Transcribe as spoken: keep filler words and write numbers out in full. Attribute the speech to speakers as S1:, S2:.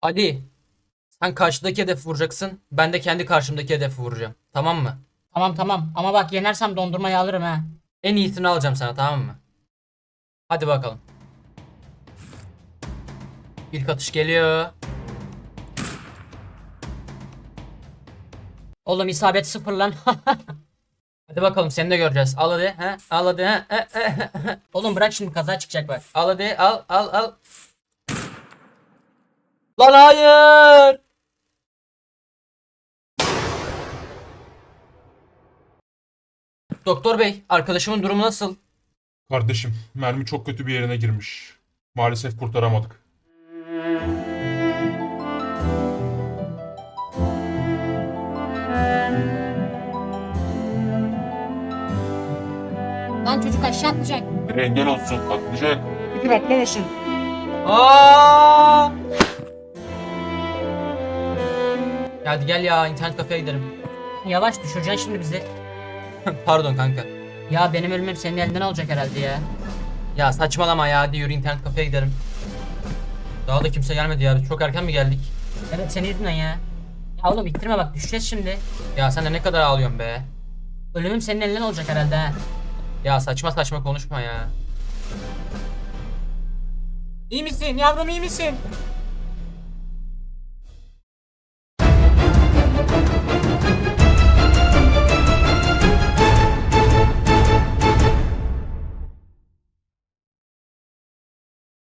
S1: Ali, sen karşıdaki hedefi vuracaksın. Ben de kendi karşımdaki hedefi vuracağım. Tamam mı?
S2: Tamam tamam ama bak yenersem dondurmayı alırım ha.
S1: En iyisini alacağım sana, tamam mı? Hadi bakalım. İlk atış geliyor.
S2: Oğlum isabet sıfır lan.
S1: Hadi bakalım, seni de göreceğiz. Al hadi. He? Al hadi. He? He, he, he.
S2: Oğlum bırak şimdi kaza çıkacak bak.
S1: Al hadi. Al al al. Lan hayır. Doktor bey, arkadaşımın durumu nasıl?
S3: Kardeşim, mermi çok kötü bir yerine girmiş. Maalesef kurtaramadık.
S2: Lan çocuk aşağı atlayacak.
S3: Bir engel olsun, atlayacak.
S2: Fikir atlamasın.
S1: Aa! Hadi gel ya, internet kafeye gidelim.
S2: Yavaş düşüreceksin şimdi bizi.
S1: Pardon kanka.
S2: Ya benim ölümüm senin elinden olacak herhalde ya.
S1: Ya saçmalama ya, hadi yürü internet kafeye gidelim. Daha da kimse gelmedi ya, biz çok erken mi geldik?
S2: Evet senin yüzünden ya. Ya oğlum ittirme bak düşeceğiz şimdi.
S1: Ya sen de ne kadar ağlıyorsun be.
S2: Ölümüm senin elinden olacak herhalde ha.
S1: Ya saçma saçma konuşma ya.
S2: İyi misin yavrum iyi misin?